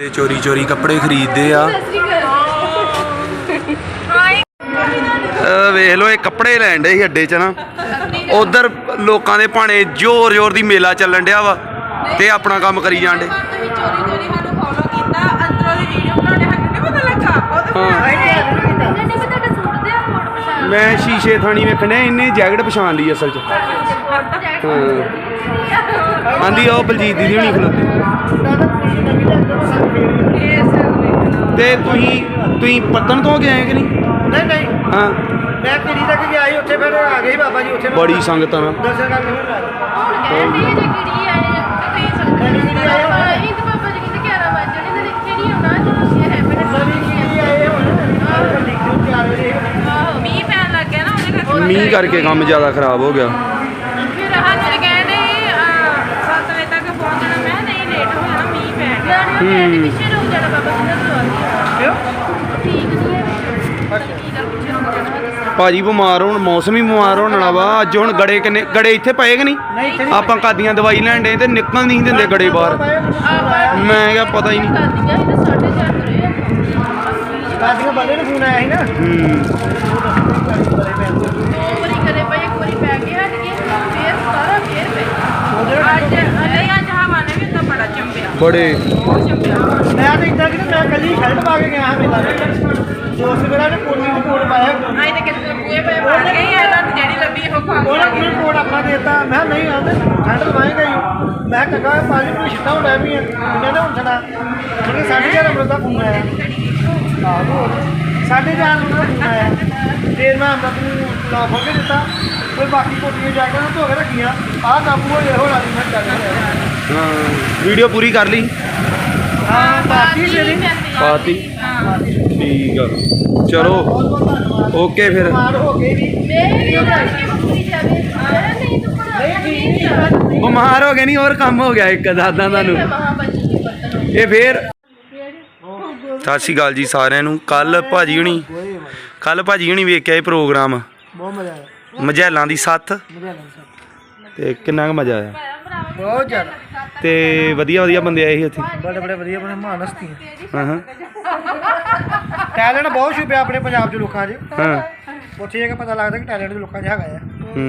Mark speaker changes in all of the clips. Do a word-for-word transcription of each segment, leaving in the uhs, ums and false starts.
Speaker 1: चोरी चोरी कपड़े खरीदते आ। वेख लो ये कपड़े लैन डे अड्डे च ना, उधर लोगों के भाने जोर जोर की मेला चलन डया वा ते अपना काम करी जान डे। मैं शीशे थानी वेखने इन्हें जैकेट पछाण ली असल च। आंदी आओ बलजीत दीदी होनी खलोती ते तुही तुही पत्तन तो गए कि नहीं?
Speaker 2: नहीं नहीं
Speaker 1: हाँ
Speaker 2: मैं किड़ी तक गया ही उत्थे फिर आ गई बाबा जी उत्थे
Speaker 1: बड़ी संगत ना
Speaker 2: दर्शन करके फिर
Speaker 1: मीह करके काम ज़्यादा खराब हो गया। भाजी बीमार हो मौसम ही बीमार होना वा। अज हूँ गड़े किन्ने गड़े इत्थे पे कि नहीं? आप कादियां दवाई लैन डे तो निकल नहीं देंगे गड़े बाहर। मैं क्या पता ही नहीं। बड़े
Speaker 2: मैं तो इतना कि मैं कल ही शर्ट पा के गया मेला दोस्त मेरा ने कोट भी कोट पाया उन्होंने कोट अपना देता। मैं नहीं आते ठंड लवाएगा ही। मैं कहा पाँच मिनट छिट्टा होना भी है इन्होंने हम छड़ा क्योंकि साढ़े ग्यारह बजे का फोन आया साढ़े चार बजे का फोन आया फिर मैं हम अपनी लॉक खोल के दिता फिर बाकी कोटियाँ जैकेट धो के रखियाँ आ काबू हो हो रही मैं चल
Speaker 1: हाँ वीडियो पूरी कर ली।
Speaker 2: हाँ बाकी
Speaker 1: पाती ठीक है चलो ओके फिर बीमार हो गए नहीं और कम हो गया एक दादा तुहानू ये फिर। सत श्री अकाल जी सारिਆਂ ਨੂੰ। कल भाजी हुणी कल भाजी हुणी वेख्या ये प्रोग्राम
Speaker 2: बहुत मजा आया
Speaker 1: मझैलों की सत्थ ते किन्ना क मजा आया?
Speaker 2: बहुत ज़्यादा
Speaker 1: ते वधिया वधिया बंदे आए उत्थे
Speaker 2: बड़े बड़े वधिया बड़े महान हस्तियां।
Speaker 1: हाँ हाँ
Speaker 2: टैलेंट बहुत छुपिया अपने पंजाब च लोगों च
Speaker 1: हाँ
Speaker 2: उत्थे जाके पता लगता कि टैलेंट लोगों च हैगा है।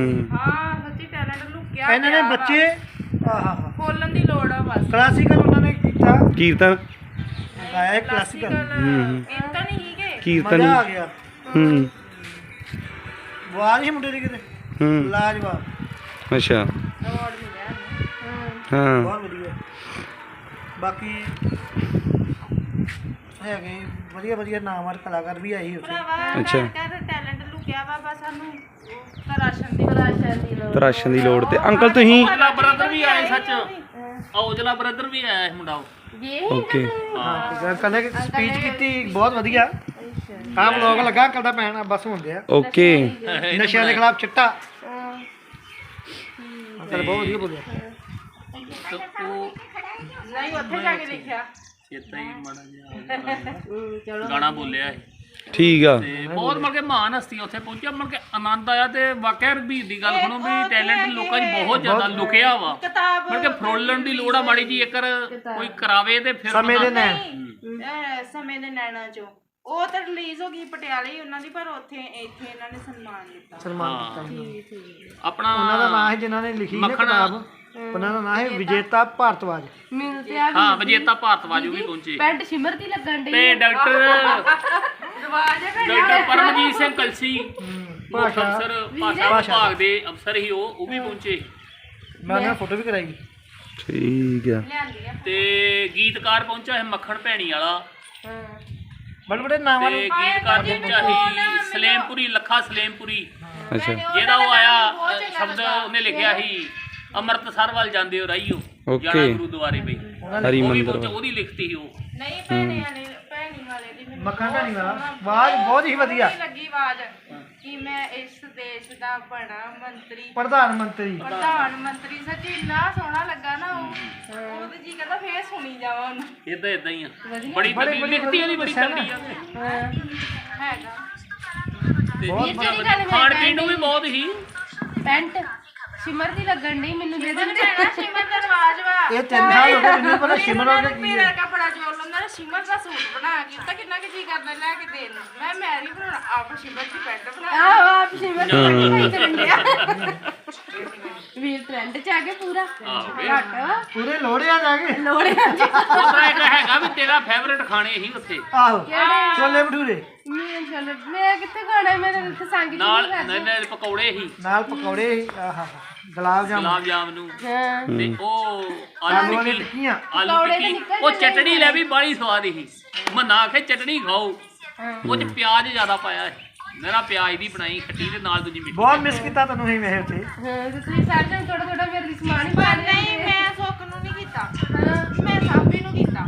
Speaker 2: इन्होंने ने बच्चे
Speaker 3: खोलन दी लोड़ है बस।
Speaker 2: क्लासिकल उन्होंने किया
Speaker 1: कीर्तन
Speaker 2: गाया है क्लासिकल
Speaker 3: कीर्तन ही के
Speaker 1: कीर्तन
Speaker 2: मजा आ गया।
Speaker 1: हम्म
Speaker 2: आवाज ही मुंडे दी किते
Speaker 1: हम्म
Speaker 2: लाजवाब
Speaker 1: अच्छा
Speaker 3: अवार्ड मिला
Speaker 1: हाँ
Speaker 2: बहुत बढ़िया। बाकी है वधिया वधिया नाम वाले कलाकार भी आए उत्थे।
Speaker 1: अच्छा
Speaker 3: टैलेंट लुकिया वा बस सानू तराशन दी तराशन दी लोड़
Speaker 1: तराशन दी लोड़ ते अंकल तुही
Speaker 4: ब्रदर भी आए सच औजला ब्रदर भी आया है मुंडा
Speaker 3: ये
Speaker 1: ओके
Speaker 2: हाँ अंकल ने स्पीच की बहुत वधिया आप लोग लगा अंकल दा पैन बस होंदे आ
Speaker 1: ओके
Speaker 2: नशे के खिलाफ चिट्टा अंकल बहुत वधिया बोलिया
Speaker 3: नहीं उत्थे जाके लिखिया
Speaker 4: चेता ही माड़ा जिहा गाना बोलिया है
Speaker 1: ठीक आ
Speaker 4: ਤੇ ਬਹੁਤ ਮਤਲਬ ਕਿ ਮਹਾਨ ਹਸਤੀਆਂ ਉੱਥੇ ਪਹੁੰਚਿਆ ਮਤਲਬ ਕਿ ਆਨੰਦ ਆਇਆ ਤੇ ਵਾਕਿਆ ਰਘਬੀਰ ਦੀ ਗੱਲ ਸੁਣੋ ਵੀ ਟੈਲੈਂਟ ਲੋਕਾਂ 'ਚ ਬਹੁਤ ਜ਼ਿਆਦਾ ਲੁਕਿਆ ਵਾ ਮਤਲਬ ਕਿ ਫਰੋਲਣ ਦੀ ਲੋੜ ਆ ਮਾੜੀ ਜੀ ਇੱਕ ਕੋਈ ਕਰਾਵੇ ਤੇ ਫਿਰ
Speaker 2: ਸਮੇਂ ਦੇ ਨੈਣ
Speaker 3: ਸਮੇਂ ਦੇ ਨੈਣਾ ਚੋਂ ਉਹ ਤਾਂ ਰਿਲੀਜ਼ ਹੋ ਗਈ ਪਟਿਆਲੇ ਹੀ ਉਹਨਾਂ ਦੀ ਪਰ ਉੱਥੇ ਇੱਥੇ ਇਹਨਾਂ ਨੇ ਸਨਮਾਨ ਦਿੱਤਾ
Speaker 2: ਸਨਮਾਨ ਦਿੱਤਾ
Speaker 4: ਆਪਣਾ
Speaker 2: ਉਹਨਾਂ ਦਾ ਨਾਮ ਹੈ ਜਿਨ੍ਹਾਂ ਨੇ ਲਿਖੀ ਨਾ ਕਿਤਾਬ ਉਹਨਾਂ ਦਾ ਨਾਮ ਹੈ ਵਿਜੇਤਾ ਭਾਰਤਵਾਜ।
Speaker 3: ਮਿਲਤੇ ਆ
Speaker 4: ਹਾਂ ਵਿਜੇਤਾ ਭਾਰਤਵਾਜ ਵੀ ਪਹੁੰਚੇ
Speaker 3: ਪੈਂਟ ਸਿਮਰ ਦੀ ਲੱਗਣ ਡਈ
Speaker 4: ਤੇ ਡਾਕਟਰ
Speaker 3: ਰਵਾਜ ਹੈ
Speaker 4: ਡਾਕਟਰ ਪਰਮਜੀਤ ਸਿੰਘ ਕਲਸੀ
Speaker 2: ਭਾਸ਼ਾ
Speaker 4: ਅਫਸਰ ਭਾਸ਼ਾ ਵਿਭਾਗ ਦੇ ਅਫਸਰ ਹੀ ਉਹ ਉਹ ਵੀ ਪਹੁੰਚੇ।
Speaker 2: ਮੈਂ ਉਹਨਾਂ ਫੋਟੋ ਵੀ ਕਰਾਈ
Speaker 1: ਠੀਕ ਆ
Speaker 3: ਲਿਆਂਦੀ ਆ
Speaker 4: ਤੇ ਗੀਤਕਾਰ ਪਹੁੰਚਾ ਹੈ ਮੱਖਣ ਭੈਣੀ ਵਾਲਾ
Speaker 2: ਬੜੇ ਬੜੇ ਨਾਮ
Speaker 4: ਤੇ ਗੀਤਕਾਰ ਪਹੁੰਚਾ ਹੈ ਸਲੇਮਪੁਰੀ ਲੱਖਾ ਸਲੇਮਪੁਰੀ
Speaker 1: ਅੱਛਾ
Speaker 4: ਜਿਹਦਾ ਉਹ ਆਇਆ ਸ਼ਬਦ ਉਹਨੇ ਲਿਖਿਆ ਸੀ ਅੰਮ੍ਰਿਤਸਰ ਵੱਲ ਜਾਂਦੇ ਹੋ ਰਾਈਓ ਜਾਣਾ ਗੁਰਦੁਆਰੇ ਬਈ
Speaker 1: ਹਰੀ ਮੰਦਰ
Speaker 4: ਉਹਦੀ ਲਿਖਤੀ ਸੀ ਉਹ
Speaker 3: ਨਹੀਂ ਭੈਣੇ ਵਾਲੇ ਭੈਣੀ ਵਾਲੇ ਦੀ ਮੈਨੂੰ
Speaker 2: ਮੱਖਣ ਭੈਣੀ ਵਾਲਾ ਆਵਾਜ਼ ਬਹੁਤ ਹੀ ਵਧੀਆ
Speaker 3: ਲੱਗੀ ਆਵਾਜ਼ ਕਿ ਮੈਂ ਇਸ ਦੇਸ਼ ਦਾ ਬਣਾ ਮੰਤਰੀ
Speaker 2: ਪ੍ਰਧਾਨ ਮੰਤਰੀ
Speaker 3: ਪ੍ਰਧਾਨ ਮੰਤਰੀ ਸੱਚੀ ਇੰਨਾ ਸੋਹਣਾ ਲੱਗਾ ਨਾ ਉਹ ਉਹਦੇ ਜੀ ਕਹਿੰਦਾ ਫੇਰ ਸੁਣੀ ਜਾਵਾਂ ਉਹਨੂੰ
Speaker 4: ਇਦਾਂ ਇਦਾਂ ਹੀ ਆ ਬੜੀ ਬੜੀ ਲਿਖਤੀ ਉਹਦੀ ਬੜੀ ਤਗੜੀ ਆ
Speaker 3: ਹੈਗਾ
Speaker 4: ਤੇ ਖਾਣ ਪੀਣ ਨੂੰ ਵੀ ਬਹੁਤ ਹੀ
Speaker 3: ਪੈਂਟ
Speaker 5: ਸਿਮਰ ਦੀ ਲੱਗਣ ਨਹੀਂ ਮੈਨੂੰ ਦੇ
Speaker 3: ਸਿਮਰ
Speaker 5: ਦਿੰਦੇ
Speaker 3: ਭੈਣਾ ਸਿਮਰ ਦਾ ਰਿਵਾਜ ਵਾ
Speaker 2: ਇਹ ਤਿੰਨ ਸਾਲ ਹੋ ਗਏ ਮੈਨੂੰ ਪਤਾ ਸਿਮਰ ਹੋ ਗਿਆ ਕੀ
Speaker 3: ਮੇਰਾ
Speaker 2: ਹੈ
Speaker 3: ਕਪੜਾ ਜੋੜ ਲੈਂਦਾ ਸਿਮਰ ਦਾ ਸੂਟ ਬਣਾ ਕੇ ਤਾਂ ਕਿੰਨਾ ਕਿ ਜੀ ਕਰਦਾ ਲੈ ਕੇ ਦੇਣ ਨੂੰ ਮੈਂ ਮੈਰੀ ਬਣਾਉਣਾ ਆਪ ਸਿਮਰ ਦੀ ਪੈਂਟ ਬਣਾ
Speaker 5: ਆਹੋ ਆਪ ਸਿਮਰ ਦੀ ਪੱਟੀ ਕਰਨ ਡਿਆ ਵੀਰ ਟ੍ਰੈਂਡ ਚ ਆ ਕੇ ਪੂਰਾ ਘੱਟ ਵਾ
Speaker 2: ਪੂਰੇ ਲੋੜਿਆ ਜਾ ਕੇ
Speaker 5: ਲੋੜਿਆਂ ਚ
Speaker 4: ਉਹਦਾ ਇੱਕ ਹੈਗਾ ਵੀ ਤੇਰਾ ਫੇਵਰੇਟ ਖਾਣੇ ਹੀ ਉੱਥੇ
Speaker 2: ਆਹੋ ਛੋਲੇ ਭਟੂਰੇ
Speaker 5: ਮੈਂ ਚਲੋ ਮੈਂ ਕਿੱਥੇ ਖਾਣਾ ਮੈਂ ਤਾਂ ਇੱਥੇ ਸੰਗ ਚ
Speaker 4: ਨਾਲ
Speaker 5: ਨਹੀਂ
Speaker 4: ਨਹੀਂ ਨਹੀਂ ਪਕੌੜੇ ਹੀ
Speaker 2: ਨਾਲ ਪਕੌੜੇ ਸੀ, ਆਹਾ ਗੁਲਾਬ ਜਾਮੁਨ
Speaker 4: ਗੁਲਾਬ ਜਾਮਨੂ
Speaker 5: ਹਾਂ
Speaker 4: ਤੇ ਉਹ
Speaker 2: ਆਲੂ
Speaker 4: ਆਲੂ
Speaker 2: ਵਾਲੀ
Speaker 4: ਟਿੱਕੀ
Speaker 2: ਟਿੱਕੀਆਂ
Speaker 4: ਆਲੂ
Speaker 5: ਪਕੌੜੇ ਤਾਂ
Speaker 4: ਟਿੱਕੀ
Speaker 5: ਨਿਕਲ
Speaker 4: ਉਹ
Speaker 5: ਜਾਂਦੇ
Speaker 4: ਚਟਣੀ ਲੈ ਵੀ ਬੜੀ ਸਵਾਦ ਸੀ ਮੰਨਾ ਆਖੇ ਚਟਣੀ ਖਾਓ ਉਹ ਚ ਪਿਆਜ਼ ਜ਼ਿਆਦਾ ਪਾਇਆ ਸੀ ਮੇਰਾ ਪਿਆਜ਼ ਦੀ ਬਣਾਈ ਖੱਟੀ ਤੇ ਨਾਲ ਦੂਜੀ ਮਿੱਠੀ
Speaker 2: ਬਹੁਤ ਮਿਸ ਕੀਤਾ ਤੈਨੂੰ ਹੀ ਮੈਂ ਉੱਥੇ
Speaker 5: ਹਾਂ ਤੇ ਤੁਸੀਂ ਸਾਰੇ ਜਣ ਥੋੜਾ ਥੋੜਾ ਮੇਰੇ ਲਈ ਸਮਾਨ ਹੀ ਪਾ
Speaker 3: ਪਰ
Speaker 5: ਲਿਆ
Speaker 3: ਨਹੀਂ ਮੈਂ ਸੁੱਖ ਨੂੰ ਨਹੀਂ ਕੀਤਾ ਮੈਂ ਸਾਬੀ ਨੂੰ ਕੀਤਾ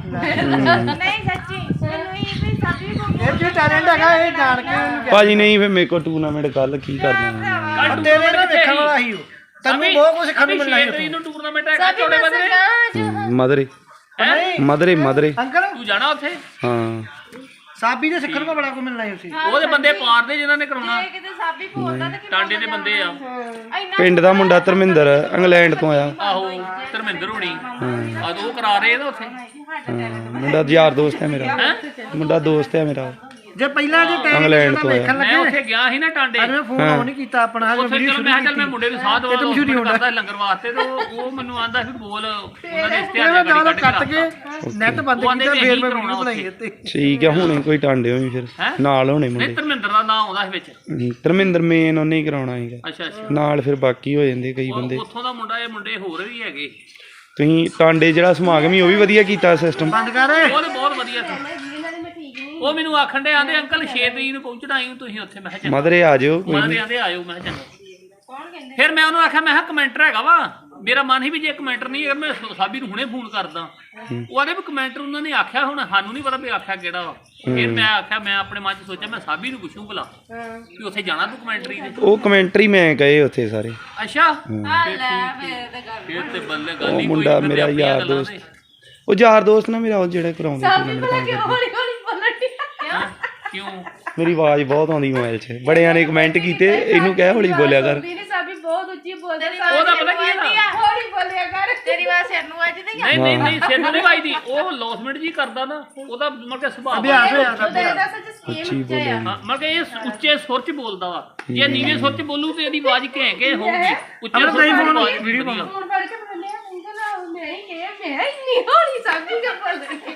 Speaker 3: ਨਹੀਂ ਸੱਚੀ ਮੈਨੂੰ ਇਹ ਵੀ ਸਾਬੀ ਨੂੰ
Speaker 2: ਇਹ ਚ ਟੈਲੈਂਟ ਹੈਗਾ ਇਹ ਜਾਣ ਕੇ ਉਹਨੂੰ
Speaker 1: ਭਾਜੀ ਨਹੀਂ ਫਿਰ ਮੇਰੇ ਕੋਲ ਟੂਰਨਾਮੈਂਟ ਕੱਲ ਕੀ ਕਰਨਾ
Speaker 2: ਕਿਹਾ। ਤੇਰੇ ਨਾਲ ਵੇਖਣ ਵਾਲਾ ਹੀ ਉਹ ਤੈਨੂੰ ਬਹੁਤ ਕੁਝ ਸਿੱਖਣ ਨੂੰ ਮਿਲਣਾ ਸੀ ਉੱਥੇ
Speaker 4: ਨੂੰ ਟੂਰਨਾਮੈਂਟ ਹੈਗਾ ਚੋੜੇ ਬੰਦੇ
Speaker 1: ਮਦਰੇ
Speaker 2: ਨਹੀਂ
Speaker 1: ਮਦਰੇ ਮਦਰੇ
Speaker 2: ਅੰਕਲ
Speaker 4: ਤੂੰ ਜਾਣਾ ਉੱਥੇ
Speaker 1: ਹਾਂ
Speaker 2: ਸਾਬੀ ਦੇ ਸਿੱਖਣ ਨੂੰ ਬੜਾ ਕੁਝ ਮਿਲਣਾ ਸੀ ਉੱਥੇ
Speaker 4: ਉਹਦੇ ਬੰਦੇ ਪਾਰ ਦੇ ਜਿਨ੍ਹਾਂ ਨੇ ਕਰਾਉਣਾ
Speaker 3: ਜੇ ਕਿਤੇ ਸਾਬੀ ਬੋਲਦਾ ਤੇ
Speaker 4: ਟਾਂਡੇ ਦੇ ਬੰਦੇ ਆ
Speaker 3: ਇੰਨਾ
Speaker 1: ਪਿੰਡ ਦਾ ਮੁੰਡਾ ਧਰਮਿੰਦਰ ਇੰਗਲੈਂਡ ਤੋਂ ਆਇਆ
Speaker 4: ਆਹੋ ਧਰਮਿੰਦਰ ਹੋਣੀ ਆ ਉਹ ਕਰਾ ਰਹੇ ਨਾ ਉੱਥੇ
Speaker 1: ਹਾਂ, ਮੁੰਡਾ ਯਾਰ ਦੋਸਤ ਹੈ ਮੇਰਾ ਮੁੰਡਾ ਦੋਸਤ ਹੈ ਮੇਰਾ
Speaker 2: ਜੇ ਪਹਿਲਾਂ ਜੇ
Speaker 1: ਇੰਗਲੈਂਡ
Speaker 2: ਟੈਲੈਂਟ
Speaker 1: ਤੋਂ ਆਇਆ
Speaker 2: ਵੇਖਣ
Speaker 4: ਮੈਂ
Speaker 2: ਲੱਗੇ
Speaker 4: ਉੱਥੇ ਗਿਆ ਸੀ ਨਾ ਟਾਂਡੇ
Speaker 2: ਅੱਜ ਮੈਂ ਫੋਨ ਆਨ ਨਹੀਂ ਕੀਤਾ ਆਪਣਾ ਹਜੇ
Speaker 4: ਉੱਥੇ
Speaker 2: ਵੀਡੀਓ
Speaker 4: ਚਲੋ
Speaker 2: ਸ਼ੁਰੂ
Speaker 4: ਮੈਂ ਕਿਹਾ ਚੱਲ
Speaker 2: ਕੀਤੀ
Speaker 4: ਮੈਂ ਮੁੰਡੇ ਨੂੰ ਸਾਹ ਦਵਾ
Speaker 2: ਮਸ਼ਹੂਰੀ
Speaker 4: ਦਵਾ
Speaker 2: ਹੁੰਦਾ।
Speaker 4: ਕਰਦਾ ਲੰਗਰ ਵਾਸਤੇ ਤੇ ਉਹ ਉਹ ਮੈਨੂੰ ਆਂਦਾ ਵੀ ਬੋਲ ਉਹਨਾਂ ਨੇ
Speaker 2: ਇਹ
Speaker 4: ਇਸ਼ਤਿਹਾਰ
Speaker 2: ਮੈਂ
Speaker 4: ਗਾੜੀ
Speaker 2: ਨਾਲ
Speaker 4: ਕੱਢ
Speaker 2: ਕੱਟ
Speaker 4: ਕੇ
Speaker 2: ਕੇ ਨੈਟ ਬੰਦ
Speaker 4: ਉਹ ਆਂਦੇ
Speaker 2: ਕੀਤਾ
Speaker 4: ਵੀ
Speaker 2: ਫੇਰ
Speaker 4: ਇਹੀ
Speaker 2: ਮੈਂ
Speaker 4: ਕਰਾਉਣਾ
Speaker 2: ਵੀਡੀਓ ਬਣਾਈ ਉੱਤੇ
Speaker 1: ਠੀਕ ਹੈ ਹੁਣੇ ਕੋਈ ਟਾਂਡੇ ਹੋਈ ਫਿਰ
Speaker 4: ਹੈਂ?
Speaker 1: ਨਾਲ ਹੋਣੇ
Speaker 4: ਨਹੀਂ
Speaker 1: ਮੁੰਡੇ
Speaker 4: ਧਰਮਿੰਦਰ ਦਾ ਨਾਮ ਆਉਂਦਾ ਸੀ ਵਿੱਚ
Speaker 1: ਹਮ, ਧਰਮਿੰਦਰ ਮੇਨ ਉਹਨੇ ਹੀ ਕਰਾਉਣਾ ਹੈਗਾ
Speaker 4: ਅੱਛਾ ਅੱਛਾ
Speaker 1: ਨਾਲ ਫਿਰ ਬਾਕੀ ਹੋ ਜਾਂਦੇ ਕਈ ਬੰਦੇ
Speaker 4: ਉਹ- ਉੱਥੋਂ ਦਾ ਮੁੰਡਾ ਇਹ ਮੁੰਡੇ ਹੋਰ ਵੀ ਹੈਗੇ
Speaker 1: ਤੁਸੀਂ ਟਾਂਡੇ ਜਿਹੜਾ ਸਮਾਗਮ ਹੀ ਉਹ ਵੀ ਵਧੀਆ ਕੀਤਾ ਸਿਸਟਮ
Speaker 2: ਬੰਦ ਕਰ
Speaker 4: ਉਹ ਤੇ ਬਹੁਤ ਵਧੀਆ ਸੀ
Speaker 5: ਇਹਨਾਂ ਦੇ ਮੈਂ ਠੀਕ ਨਹੀਂ
Speaker 4: ਉਹ ਮੈਨੂੰ ਆਖਣ ਦੇ ਆਂਦੇ ਅੰਕਲ ਛੇ ਤਰੀਕ ਨੂੰ ਪਹੁੰਚਣਾ ਆਈ ਤੁਸੀਂ ਉੱਥੇ ਮੈਂ ਕਿਹਾ ਚੰਗਾ
Speaker 1: ਮਦਰੇ ਆ ਜਿਓ ਕੋਈ
Speaker 4: ਮਾਂ
Speaker 1: ਨੀ।
Speaker 4: ਦੇ ਆਂਦੇ ਆਇਓ ਮੈਂ ਕਿਹਾ ਚੰਗਾ ਫਿਰ ਮੈਂ ਉਹਨੂੰ ਆਖਿਆ ਮੈਂ ਕਿਹਾ ਕਮੈਂਟਰ ਹੈਗਾ ਵਾ ਮੇਰਾ ਮਨ ਸੀ ਵੀ ਜੇ ਕਮੈਂਟਰ ਨਹੀਂ ਹੈਗਾ ਮੈਂ ਸਾਬੀ ਨੂੰ ਹੁਣੇ ਫੋਨ ਕਰਦਾ ਉਹ ਆਦੇ ਵੀ ਕਮੈਂਟਰ ਉਹਨਾਂ ਨੇ ਆਖਿਆ ਹੁਣ ਸਾਨੂੰ ਨਹੀਂ ਪਤਾ ਵੀ ਆਖਿਆ ਕਿਹੜਾ ਵਾ ਫਿਰ ਮੈਂ ਆਖਿਆ ਮੈਂ ਆਪਣੇ ਮਨ ਚ ਸੋਚਿਆ ਮੈਂ ਸਾਬੀ ਨੂੰ ਪੁੱਛੂ ਭਲਾ ਵੀ ਉੱਥੇ ਜਾਣਾ ਤੂੰ ਕਮੈਂਟਰੀ ਦੇ
Speaker 1: ਉਹ ਕਮੈਂਟਰੀ ਮੈਂ ਕਹੇ ਉੱਥੇ ਸਾਰੇ
Speaker 4: ਅੱਛਾ
Speaker 3: ਆ ਲੈ ਫੇਰ ਤੇ ਗੱਲ
Speaker 4: ਫਿਰ ਤੇ ਬੱਲੇ ਗੱਲ
Speaker 1: ਉਹ
Speaker 4: ਹੀ
Speaker 1: ਮੁੰਡਾ
Speaker 4: ਕੋਈ
Speaker 1: ਮੇਰਾ ਯਾਰ ਦੋਸਤ ਉਹ ਯਾਰ ਦੋਸਤ ਨਾ ਮੇਰਾ ਉਹ ਜਿਹੜਾ ਕਰਾਉਂਦਾ
Speaker 5: ਸਾਬੀ ਭਲਾ ਕਿ ਹੌਲੀ ਹੌਲੀ ਬੋਲਣ ਡਿਆ
Speaker 4: ਕਿਉਂ
Speaker 1: ਮੇਰੀ ਆਵਾਜ਼ ਬਹੁਤ ਆਉਂਦੀ ਮੋਬਾਈਲ 'ਚ ਬੜਿਆਂ ਨੇ ਕਮੈਂਟ ਕੀਤੇ ਇਹਨੂੰ ਕਹਿ ਹੌਲੀ ਬੋਲਿਆ ਕਰ
Speaker 5: ਸਾਬੀ ਨੇ ਸਾਬੀ ਬਹੁਤ ਉੱਚੀ ਬੋਲਦੇ
Speaker 4: ਉਹਦਾ ਪਤਾ ਕੀ ਹੈ
Speaker 5: ਹੌਲੀ ਬੋਲਿਆ ਕਰ
Speaker 3: ਤੇਰੀ ਆਵਾਜ਼ ਸਿਰ ਨੂੰ ਅੱਜ ਨਹੀਂ
Speaker 4: ਨਹੀਂ ਨਹੀਂ ਨਹੀਂ ਸਿਰ ਨੂੰ ਨਹੀਂ ਵੱਜਦੀ ਉਹ ਲੌਸਮੈਂਟ ਜੀ ਕਰਦਾ ਨਾ ਉਹਦਾ ਮਤਲਬ ਕਿ ਸੁਭਾਅ
Speaker 2: ਅਭਿਆਸ ਹੋਇਆ
Speaker 5: ਉਹਦਾ ਇਹਦਾ ਸੱਚ ਸਕੀਮ ਉੱਚਾ ਆ
Speaker 4: ਹਾਂ, ਮਤਲਬ ਕਿ ਇਹ ਉੱਚੇ ਸੁਰ ਚ ਬੋਲਦਾ ਵਾ ਜੇ ਨੀਵੇਂ ਸੁਰ ਚ ਬੋਲੂ ਤੇ ਇਹਦੀ ਆਵਾਜ਼ ਘੈਂ ਘੈਂ ਹੋਊਗੀ ਉੱਚੇ ਸੁਰ ਚ ਆਵਾਜ਼
Speaker 2: ਵੀਡੀਓ
Speaker 4: ਵਧੀਆ
Speaker 5: ਫੋਨ ਫੜ ਕੇ ਬੋਲਿਆ ਅੰਕਲ ਮੈਂ ਹੀ ਕਿਹਾ ਮੈਂ ਇੰਨੀ ਹੌਲੀ ਸਾਬੀ ਕਿ ਬੋਲ ਰਹੀ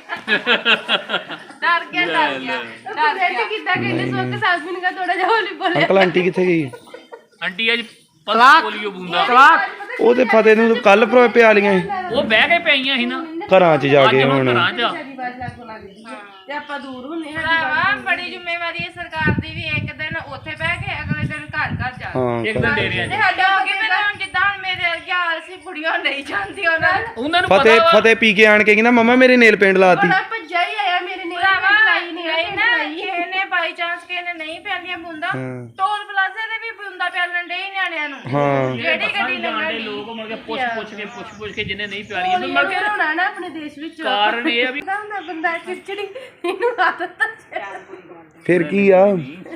Speaker 3: ਡਰ ਗਿਆ ਡਰ ਗਿਆ
Speaker 5: ਡਰ ਗਿਆ ਕਿੱਦਾਂ ਕਹਿੰਦੇ ਸੋ ਕਿ ਸਾਬੀ ਨੇ ਕਹਾ ਥੋੜਾ ਜਿਹਾ ਹੌਲੀ ਬੋਲਿਆ
Speaker 1: ਅੰਕਲ ਆਂਟੀ ਕਿੱਥੇ ਗਈ
Speaker 4: ਆਂਟੀ ਅੱਜ ਪਲਸ ਪੋਲੀਓ ਬੂੰਦਾ
Speaker 1: ਉਹ ਤੇ ਫਤਿਹ ਨੂੰ ਕੱਲ ਪ੍ਰੋ ਪਿਆ ਲੀਆਂ ਸੀ
Speaker 4: ਉਹ ਬਹਿ ਕੇ ਪਈਆਂ ਸੀ ਨਾ
Speaker 1: ਘਰਾਂ 'ਚ ਜਾ
Speaker 4: ਅੱਜ
Speaker 1: ਕੇ
Speaker 4: ਹੁਣ
Speaker 1: ਹੁਣ
Speaker 4: ਘਰਾਂ ਚ ਆ।
Speaker 5: ਸਾਡੀ ਬਾਤ ਲੱਗ ਲਾ ਦਿੱਤੀ ਤੇ ਆਪਾਂ ਦੂਰ ਹੁੰਨੇ ਹਾਂ
Speaker 3: ਭਰਾਵਾ ਬੜੀ ਜ਼ਿੰਮੇਵਾਰੀ ਹੈ ਸਰਕਾਰ ਦੀ ਵੀ ਇੱਕ ਦਿਨ ਉੱਥੇ ਬਹਿ ਕੇ ਅਗਲੇ ਦਿਨ ਘਰ ਘਰ ਜਾ
Speaker 1: ਹਾਂ
Speaker 4: ਇੱਕ ਦਿਨ ਡੇਰਿਆਂ
Speaker 3: ਤੇ
Speaker 4: ਚ
Speaker 3: ਸਾਡਾ ਹੋ ਗਿਆ ਮੈਨੂੰ ਹੁਣ ਜਿੱਦਾਂ ਹੁਣ ਮੇਰੇ ਅਰਗੇ ਸੀ ਬੁੜੀਆਂ ਨਹੀਂ ਜਾਂਦੀ ਉਹਨਾਂ ਨੂੰ
Speaker 4: ਉਹਨਾਂ ਨੂੰ
Speaker 1: ਫਤਿਹ
Speaker 4: ਪਤਾ ਵਾ
Speaker 1: ਫਤਿਹ ਪੀ ਕੇ ਆਣ ਕੇ ਕਹਿੰਦਾ ਮਮਾ ਮੇਰੇ ਨੇਲ ਪੇਂਟ ਲਾਤੀ
Speaker 5: ਬੜਾ ਭੱਜਾ ਹੀ ਆਇਆ ਮੇਰੇ ਨੇ
Speaker 3: ਭਰਾਵਾ
Speaker 5: ਲਾਈ ਨਹੀਂ
Speaker 3: ਨਹੀਂ ਨਾ ਕਿਸੇ ਨੇ ਬਾਈ ਚਾਂਸ ਕਿਸੇ ਨੇ ਨਹੀਂ ਪੈਂਦੀਆਂ ਬੁੰਦਾ
Speaker 1: ਹਾਂ।
Speaker 3: ਟੋਲ ਪਲਾਜ਼ੇ ਤੇ ਵੀ ਬੁੰਦਾ ਪੈਣ ਡੇ ਨਿਆਣਿਆਂ ਨੂੰ
Speaker 1: ਹਾਂ
Speaker 3: ਜਿਹੜੀ ਗੱਡੀ
Speaker 4: ਜਾਣਦੇ
Speaker 3: ਲੰਘਣੀ
Speaker 4: ਲੋਕ ਮਤਲਬ ਕਿ ਪੁੱਛ ਪੁੱਛ ਕੇ ਪੁੱਛ ਪੁੱਛ ਕੇ ਜਿੰਨੇ ਨਹੀਂ ਪਿਆਰੀਆਂ
Speaker 5: ਇਹ
Speaker 4: ਮਤਲਬ ਕਿ
Speaker 5: ਹੋਣਾ ਨਾ ਆਪਣੇ ਦੇਸ਼ ਵਿੱਚ
Speaker 4: ਕਾਰਨ ਇਹ ਆ ਵੀ
Speaker 5: ਪਤਾ ਹੁੰਦਾ ਬੰਦਾ ਚਿੜਚਿੜੀ ਇਹਨੂੰ ਆਦਤ
Speaker 1: ਫਿਰ ਕੀ ਆ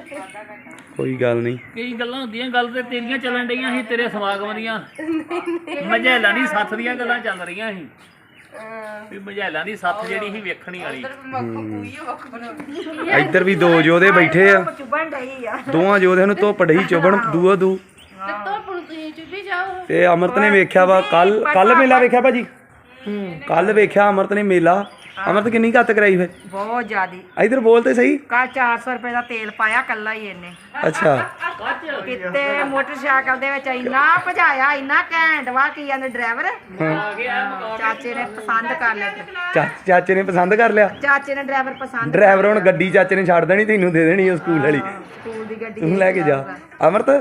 Speaker 1: ਕੋਈ ਗੱਲ ਨਹੀਂ
Speaker 4: ਕਈ ਗੱਲਾਂ ਹੁੰਦੀਆਂ ਗੱਲ ਤੇ ਤੇਰੀਆਂ ਚੱਲਣ ਡਈਆਂ ਸੀ ਤੇਰੇ ਸਮਾਗਮ ਦੀਆਂ ਮਝੈਲਾਂ ਦੀ ਸੱਥ ਦੀਆਂ ਗੱਲਾਂ ਚੱਲ ਰਹੀਆਂ ਸੀ ਵੀ ਮਝੈਲਾਂ ਦੀ ਸੱਥ ਜਿਹੜੀ ਸੀ ਵੇਖਣੀ ਵਾਲੀ
Speaker 1: ਇੱਧਰ ਵੀ ਦੋ ਯੋਧੇ ਬੈਠੇ ਆ ਦੋਵਾਂ ਯੋਧਿਆਂ ਨੂੰ ਧੁੱਪ ਡਈ ਚੁਬਣ ਦੂਆ ਦੂ
Speaker 5: ਤੇ ਤੋਂ ਪੁਣ ਤੁਸੀਂ ਚੁੱਪੀ ਜਾਓ
Speaker 1: ਤੇ ਅਮਰਤ ਨੇ ਵੇਖਿਆ ਵਾ ਕੱਲ ਕੱਲ ਮੇਲਾ ਵੇਖਿਆ ਭਾਜੀ ਕੱਲ ਵੇਖਿਆ ਅਮਰਤ ਨੇ ਮੇਲਾ ਅਮਰਤ ਕਿੰਨੀ ਘੱਤ ਕਰਾਈ ਫਿਰ
Speaker 6: ਬਹੁਤ ਜ਼ਿਆਦੀ
Speaker 1: ਇੱਧਰ ਬੋਲ ਤੇ ਸਹੀ
Speaker 6: ਕੱਲ ਚਾਰ ਸੌ ਰੁਪਏ ਦਾ ਤੇਲ ਪਾਇਆ ਕੱਲਾ ਹੀ ਇਹਨੇ
Speaker 1: ਅੱਛਾ
Speaker 6: ਕਿਤੇ ਮੋਟਰਸਾਈਕਲ ਦੇ ਵਿੱਚ ਇੰਨਾ ਭਜਾਇਆ ਇੰਨਾ ਘੈਂਟ ਵਾ ਕੀ ਜਾਂਦੇ ਡਰਾਈਵਰ ਚਾਚੇ ਨੇ ਪਸੰਦ ਕਰ ਲਿਆ
Speaker 1: ਚਾ- ਚਾਚੇ ਨੇ ਪਸੰਦ ਕਰ ਲਿਆ
Speaker 6: ਚਾਚੇ ਨੇ ਡਰਾਈਵਰ ਪਸੰਦ
Speaker 1: ਡਰਾਈਵਰ ਹੁਣ ਗੱਡੀ ਚਾਚੇ ਨੇ ਛੱਡ ਦੇਣੀ ਤੈਨੂੰ ਦੇ ਦੇਣੀ ਉਹ ਸਕੂਲ ਵਾਲੀ
Speaker 6: ਸਕੂਲ ਦੀ ਗੱਡੀ
Speaker 1: ਤੂੰ ਲੈ ਕੇ ਜਾ ਅਮਰਤ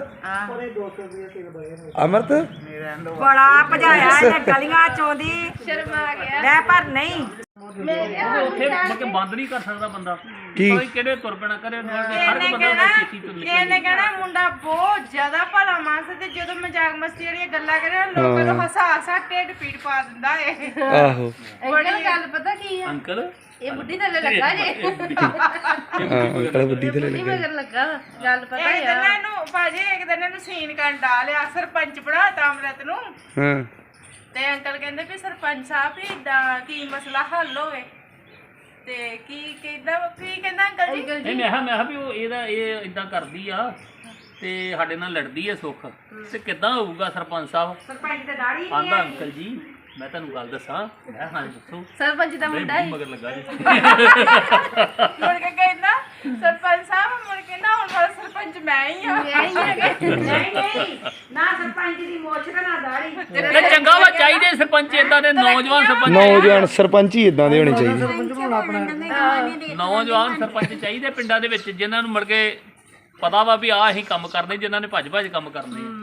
Speaker 1: ਅਮਰਤ
Speaker 6: ਬੜਾ ਭਜਾਇਆ ਇਹਨੇ ਗਲੀਆਂ ਚੋਂ ਦੀ
Speaker 3: ਸ਼ਰਮਾ ਗਿਆ
Speaker 6: ਲੈ ਪਰ ਨਹੀਂ
Speaker 4: ਉੱਥੇ ਮਤਲਬ ਕਿ ਬੰਦ ਨਹੀਂ ਕਰ ਸਕਦਾ ਬੰਦਾ
Speaker 1: ਕੀ?
Speaker 4: ਕੋਈ ਕਿਹੜੇ ਤੁਰ ਪੈਣਾ ਕਰੇ ਹਰ
Speaker 3: ਇਹਨੇ
Speaker 4: ਇੱਕ ਬੰਦਾ
Speaker 3: ਕਹਿਣਾ
Speaker 4: ਛੇਤੀ ਤੁਰ
Speaker 3: ਇਹਨੇ
Speaker 4: ਨਿਕਲੇ
Speaker 3: ਕਹਿਣਾ ਮੁੰਡਾ ਬਹੁਤ ਜ਼ਿਆਦਾ ਭਲਾ ਮਾਨਸ ਤੇ ਜਦੋਂ ਮਜ਼ਾਕ ਮਸਤੀ ਵਾਲੀਆਂ ਗੱਲਾਂ ਕਰੇ ਨਾ ਲੋਕਾਂ ਨੂੰ ਹਸਾ ਹਸਾ ਢਿੱਡ ਪੀੜ ਪਾ ਦਿੰਦਾ ਏ
Speaker 1: ਆਹੋ
Speaker 5: ਅੰਕਲ ਗੱਲ ਪਤਾ ਕੀ ਆ
Speaker 4: ਅੰਕਲ
Speaker 5: ਇਹ ਬੁੱਢੀ ਥੱਲੇ ਲੱਗਾ ਜੇ
Speaker 1: ਹਾਂ ਅੰਕਲ ਬੁੱਢੀ ਤੇ ਲੈ
Speaker 5: ਬੁੱਢੀ
Speaker 1: ਲੱਗਾ
Speaker 5: ਮਗਰ ਲੱਗਾ ਵਾ। ਗੱਲ ਪਤਾ
Speaker 3: ਇੱਕ
Speaker 5: ਆ
Speaker 3: ਦਿਨ ਇਹਨੂੰ ਭਾਜੀ ਇੱਕ ਦਿਨ ਇਹਨੂੰ ਸੀਨ ਕਰਨ ਡਾਲਿਆ ਸਰਪੰਚ ਬਣਾਤਾ ਅੰਮ੍ਰਿਤ ਨੂੰ
Speaker 1: ਹਾਂ
Speaker 3: ਤੇ ਅੰਕਲ ਕਹਿੰਦੇ ਵੀ ਸਰਪੰਚ ਸਾਹਿਬ ਵੀ ਇਦਾਂ ਕੀ ਮਸਲਾ ਹੱਲ ਹੋਵੇ ਤੇ ਕੀ ਕਹਿੰਦਾ ਕੀ ਕਹਿੰਦਾ ਅੰਕਲ ਜੀ
Speaker 4: ਨਹੀਂ ਮੈਂ ਕਿਹਾ ਮੈਂ ਕਿਹਾ ਵੀ ਉਹ ਇਹਦਾ ਇਹ ਇਦਾਂ ਕਰਦੀ ਆ ਤੇ ਸਾਡੇ ਨਾਲ ਲੜਦੀ ਆ ਸੁੱਖ ਤੇ ਕਿੱਦਾਂ ਹੋਊਗਾ ਸਰਪੰਚ ਸਾਹਿਬ
Speaker 6: ਸਰਪੰਚ ਤੇ ਦਾੜੀ
Speaker 4: ਆਂਦਾ ਅੰਕਲ ਜੀ ਮੈਂ ਤੁਹਾਨੂੰ ਗੱਲ ਦੱਸਾਂ ਮੈਂ ਹਾਂ ਦੱਸੋ
Speaker 5: ਸਰਪੰਚ ਦਾ ਮੁੰਡਾ
Speaker 4: ਨਹੀਂ
Speaker 5: ਹੀ
Speaker 4: ਮਗਰ ਲੱਗਾ ਜੀ
Speaker 3: ਮੁੜ ਕੇ ਕਹਿੰਦਾ ਸਰਪੰਚ ਸਾਹਿਬ ਮੁੜ ਕੇ ਨਾ ਹੁਣ ਵਾਲਾ ਸਰਪੰਚ ਮੈਂ ਹੀ ਆ
Speaker 6: ਨਹੀਂ ਨਹੀਂ ਨਾ ਸਰਪੰਚ ਦੀ ਮੋਛ ਤੇ ਨਾ ਦਾੜੀ
Speaker 4: ਤੇ ਚੰਗਾ ਵਾ ਚਾਹੀਦੇ ਸਰਪੰਚ ਇਦਾਂ ਦੇ ਨੌਜਵਾਨ ਸਰਪੰਚ
Speaker 1: ਨੌਜਵਾਨ ਸਰਪੰਚ ਹੀ ਇਦਾਂ ਦੇ ਹੋਣੇ ਚਾਹੀਦੇ
Speaker 2: ਸਰਪੰਚ ਬਣਾਉਣਾ ਆਪਣਾ
Speaker 4: ਨੌਜਵਾਨ ਸਰਪੰਚ ਚਾਹੀਦੇ ਪਿੰਡਾਂ ਦੇ ਵਿੱਚ ਜਿਨ੍ਹਾਂ ਨੂੰ ਮੁੜ ਕੇ ਪਤਾ ਵਾ ਵੀ ਆਹ ਅਸੀਂ ਕੰਮ ਕਰਦੇ ਜਿਨ੍ਹਾਂ ਨੇ ਭੱਜ ਭੱਜ ਕੰਮ ਕਰਨੇ ਆ।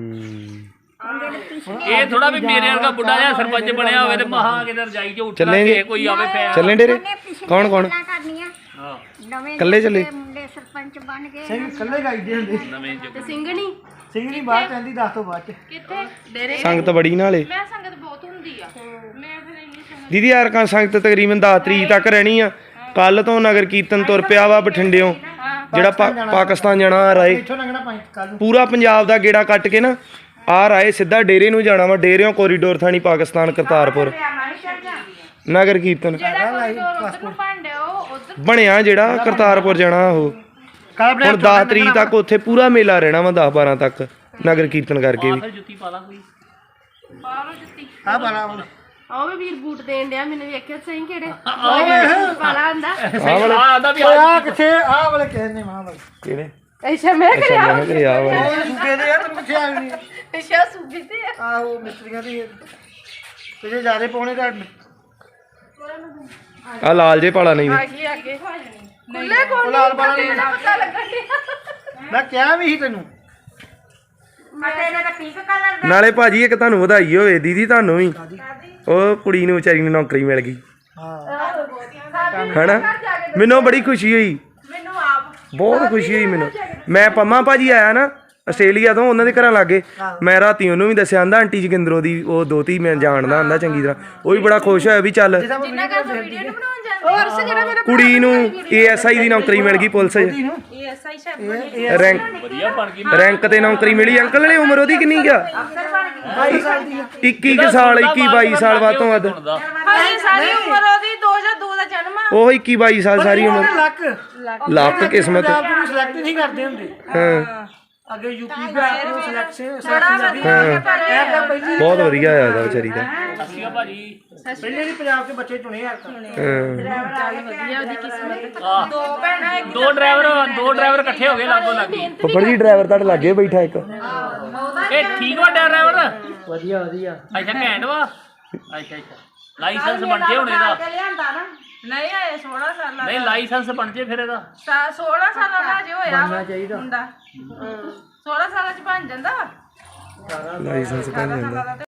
Speaker 4: ਇਹ ਥੋੜਾ ਵੀ ਮੇਰੇ ਵਰਗਾ ਬੁੱਢਾ ਜਿਹਾ ਸਰਪੰਚ ਬਣਿਆ ਹੋਵੇ ਤੇ ਮਹਾ ਕਿਤੇ ਰਜਾਈ 'ਚ ਉੱਠਣਾ
Speaker 1: ਚੱਲੇ
Speaker 4: ਕਿ ਕੋਈ ਆਵੇ ਪੈ
Speaker 1: ਚੱਲੇ ਡੇਰੇ ਕੌਣ ਕੌਣ
Speaker 4: ਹਾਂ
Speaker 7: ਨਵੇਂ
Speaker 1: ਕੱਲੇ ਚੱਲੇ
Speaker 7: ਮੁੰਡੇ ਸਰਪੰਚ ਬਣ ਗਏ
Speaker 2: ਸਿੰਘ ਇਕੱਲੇ ਗਾਈਦੇ ਹੁੰਦੇ
Speaker 4: ਨਵੇਂ
Speaker 5: ਤੇ
Speaker 4: ਜੁਗ
Speaker 5: ਸਿੰਘਣੀ
Speaker 2: ਸਿੰਘ ਨਹੀਂ ਬਾਹਰ ਕਹਿੰਦੀ ਦੱਸ ਤੋਂ ਬਾਅਦ ਚ
Speaker 3: ਕਿੱਥੇ
Speaker 5: ਡੇਰੇ
Speaker 1: ਸੰਗਤ ਬੜੀ ਨਾਲੇ
Speaker 3: ਮੈਂ ਸੰਗਤ ਬਹੁਤ ਹੁੰਦੀ ਆ ਮੈਂ ਫਿਰ ਇੰਨੀ ਸੰਗਤ
Speaker 1: ਦੀਦੀ ਯਾਰ ਕਾ ਸੰਗਤ ਤਕਰੀਬਨ ਦਸ ਤਰੀਕ ਤੱਕ ਰਹਿਣੀ ਆ ਕੱਲ ਤੋਂ ਨਗਰ ਕੀਰਤਨ ਤੁਰ ਪਿਆ ਵਾ ਬਠਿੰਡਿਓਂ ਜਿਹੜਾ ਪਾ- ਪਾਕਿਸਤਾਨ ਜਾਣਾ ਰਾਏ
Speaker 2: ਇੱਥੋਂ ਲੰਘਣਾ ਪੰਜ ਕੱਲ ਨੂੰ
Speaker 1: ਪੂਰਾ ਪੰਜਾਬ ਦਾ ਗੇੜਾ ਕੱਟ ਕੇ ਨਾ ਆ ਰਾਏ ਸਿੱਧਾ ਡੇਰੇ ਨੂੰ ਜਾਣਾ ਵਾ ਡੇਰਿਓਂ ਕੋਰੀਡੋਰ ਥਾਣੀ ਪਾਕਿਸਤਾਨ ਕਰਤਾਰਪੁਰ ਨਗਰ ਕੀਰਤਨ
Speaker 3: ਜਿਹੜਾ ਕੋਈ door ਉੱਧਰ ਨੂੰ ਭਾਂਡੇ ਉਹ ਉੱਧਰ
Speaker 1: ਬਣਿਆ ਜਿਹੜਾ ਕਰਤਾਰਪੁਰ ਜਾਣਾ ਉਹ
Speaker 2: ਕੱਲ ਆਪਣੇ
Speaker 1: ਹੁਣ ਦਸ ਤਰੀਕ ਤੱਕ ਉੱਥੇ ਪੂਰਾ ਮੇਲਾ ਰਹਿਣਾ ਵਾ ਦਸ ਬਾਰਾਂ ਤੱਕ ਨਗਰ ਕੀਰਤਨ ਕਰਕੇ ਵੀ
Speaker 4: ਫਿਰ ਜੁੱਤੀ ਪਾ ਲਾ ਕੋਈ
Speaker 3: ਬਾਹਰੋਂ ਜੁੱਤੀ
Speaker 2: ਆ ਬਾਲਾ ਹੁਣ
Speaker 5: ਆਹ ਵੀ ਵੀਰ ਬੂਟ ਦੇਣ ਡਿਆ ਮੈਨੂੰ ਵੇਖਿਆ ਸਹੀ ਕਿਹੜੇ ਪਾਲਾ ਆਂਦਾ
Speaker 4: ਆ ਆਦਾ ਵੀ
Speaker 2: ਆ ਕਿੱਥੇ ਆ ਵਾਲੇ ਕਹਿੰਦੇ ਮਾਂ ਵਾਲੇ
Speaker 1: ਕਿਹੜੇ
Speaker 5: ਅੱਛਾ ਮੈਂ ਕਰਿਆ
Speaker 1: ਮੈਂ ਕਿਹਾ ਆ ਵਾ
Speaker 2: ਉਹ ਸੁੱਕੇ ਦੇ ਆ ਤੈਨੂੰ ਕਿੱਥੇ ਆ ਨਹੀਂ
Speaker 5: ਅੱਛਾ ਸੂਬੀ ਤੇ ਆ।
Speaker 2: ਆਹੋ ਮਿਸਤਰੀਆਂ ਦੀ ਤੇ ਜੇ ਜ਼ਿਆਦੇ ਪਾਉਣੇ ਤਾਂ
Speaker 1: ਆ ਲਾਲ ਜੇ ਪਾਲਾ ਨਹੀਂ
Speaker 5: ਅੱਗੇ ਅੱਗੇ ਖੁੱਲੇ ਕੋਲ
Speaker 2: ਉਹ ਲਾਲ ਬਾਲਾ ਨਹੀਂ
Speaker 5: ਪਤਾ ਲੱਗਣ ਡਿਆ
Speaker 2: ਮੈਂ ਕਿਹਾ ਵੀ ਸੀ ਤੈਨੂੰ
Speaker 6: ਅਤੇ ਇਹਦਾ ਤਾਂ ਪਿੰਕ ਕਲਰ ਦਾ
Speaker 1: ਨਾਲੇ ਭਾਜੀ ਇੱਕ ਤੁਹਾਨੂੰ ਵਧਾਈ ਹੋਵੇ ਦੀਦੀ ਤੁਹਾਨੂੰ ਵੀ ਉਹ ਕੁੜੀ ਨੂੰ ਵਿਚਾਰੀ ਨੂੰ ਨੌਕਰੀ ਮਿਲ ਗਈ
Speaker 2: ਹਾਂ
Speaker 1: ਹਨਾ ਮੈਨੂੰ ਬੜੀ ਖੁਸ਼ੀ ਹੋਈ
Speaker 3: ਮੈਨੂੰ ਆਪ
Speaker 1: ਬਹੁਤ ਖੁਸ਼ੀ ਹੋਈ ਮੈਨੂੰ ਮੈਂ ਪੰਮਾ ਭਾਜੀ ਆਇਆ ਨਾ ਆਸਟ੍ਰੇਲੀਆ ਤੋਂ ਉਹਨਾਂ ਦੇ ਘਰਾਂ ਲਾਗੇ ਮੈਂ ਰਾਤੀ ਉਹਨੂੰ ਵੀ ਦੱਸਿਆ ਆਂਦਾ ਆਂਟੀ ਜਗਿੰਦਰੋਂ ਦੀ ਉਹ ਦੋਤੀ ਮੈਂ ਜਾਣਦਾ ਆਂਦਾ ਚੰਗੀ ਤਰ੍ਹਾਂ ਉਹ ਵੀ ਬੜਾ ਖੁਸ਼ ਹੋਇਆ ਵੀ ਚੱਲ
Speaker 3: ਜਿੰਨਾ ਕਰ ਵੀਡੀਓ ਨੂੰ ਬਣਾਉਣ ਜਾਂਦੇ
Speaker 5: ਹੋਰ ਸ ਜਿਹੜਾ ਮੇਰਾ
Speaker 1: ਕੁੜੀ ਨੂੰ ਏ ਐਸ ਆਈ ਦੀ ਨੌਕਰੀ ਮਿਲ ਗਈ ਪੁਲਿਸ 'ਚ
Speaker 3: ਇਹ ਐਸਆਈ ਸਾਹਿਬ
Speaker 1: ਰੈਂਕ
Speaker 4: ਵਧੀਆ ਬਣ ਗਈ
Speaker 1: ਰੈਂਕ ਤੇ ਨੌਕਰੀ ਮਿਲੀ ਅੰਕਲ ਨੇ ਉਮਰ ਉਹਦੀ ਕਿੰਨੀ ਗਿਆ
Speaker 2: ਬਾਈ ਸਾਲ ਦੀ ਆ।
Speaker 1: ਇੱਕੀ ਕੁ ਸਾਲ ਇੱਕੀ ਬਾਈ ਸਾਲ ਵੱਧ ਤੋਂ ਵੱਧ
Speaker 3: ਹਾਏ ਸਾਰੀ ਉਮਰ ਉਹਦੀ ਦੋ ਹਜ਼ਾਰ ਦੋ ਦਾ ਜਨਮ ਆ
Speaker 1: ਉਹ ਇੱਕੀ ਬਾਈ ਸਾਲ ਸਾਰੀ ਉਮਰ
Speaker 2: ਲੱਕ
Speaker 1: ਲੱਕ ਕਿਸਮਤ
Speaker 2: ਪੰਜਾਬ ਨੂੰ ਸਿਲੈਕਟ ਨਹੀਂ ਕਰਦੇ ਹੁੰਦੇ
Speaker 1: ਹਾਂ
Speaker 2: ਅੱਗੇ ਯੂਪੀ ਬਿਹਾਰ ਨੂੰ ਸਿਲੈਕਟ ਸਿਲੈਕਸ਼ਨ ਕਰਦੀ
Speaker 1: ਹਾਂ
Speaker 2: ਇਹ ਤਾਂ ਪਹਿਲੀ
Speaker 1: ਬਹੁਤ ਵਧੀਆ ਆ ਉਹਦਾ ਵਿਚਾਰੀ ਦਾ
Speaker 4: ਅੱਛਾ ਭਾਜੀ
Speaker 2: ਪਹਿਲੇ ਵੀ ਪੰਜਾਬ ਦੇ ਬੱਚੇ ਚੁਣੇ ਯਾਰ ਤਾਂ
Speaker 1: ਹਾਂ
Speaker 5: ਵਧੀਆ ਉਹਦੀ ਕਿਸਮਤ
Speaker 4: ਆਹ,
Speaker 3: ਦੋ ਭੈਣਾਂ ਇੱਕ
Speaker 4: ਦੋ ਡਰਾਈਵਰ ਦੋ ਡਰਾਈਵਰ ਇਕੱਠੇ ਹੋ ਗਏ ਲਾਗੋ ਲੱਗੀ
Speaker 1: ਫੁੱਫੜ ਜੀ ਡਰਾਈਵਰ ਤੁਹਾਡੇ ਲਾਗੇ ਬੈਠਾ ਇੱਕ
Speaker 4: ਇਹ ਠੀਕ ਵਾ ਡਰਾਈਵਰ
Speaker 2: ਵਧੀਆ ਵਧੀਆ
Speaker 4: ਅੱਛਾ ਘੈਂਟ ਵਾ ਅੱਛਾ ਅੱਛਾ ਲਾਇਸੈਂਸ ਬਣ ਜੇ ਹੁਣ ਇਹਦਾ
Speaker 6: ਲਿਆਂਦਾ ਨਾ
Speaker 3: ਨਹੀਂ ਆਏ ਸੋਲਾਂ ਸਾਲਾਂ
Speaker 4: ਨਹੀਂ ਲਾਇਸੈਂਸ ਬਣ ਜੇ ਫਿਰ ਇਹਦਾ
Speaker 3: ਦਾ ਸੋਲਾਂ ਸਾਲਾਂ ਦਾ ਜੇ ਹੋਇਆ
Speaker 2: ਬਣਨਾ ਚਾਹੀਦਾ।
Speaker 3: ਮੁੰਡਾ ਸੋਲਾਂ ਸਾਲਾਂ ਚ ਬਣ ਜਾਂਦਾ
Speaker 1: ਲਾਇਸੈਂਸ ਬਣ ਜਾਂਦਾ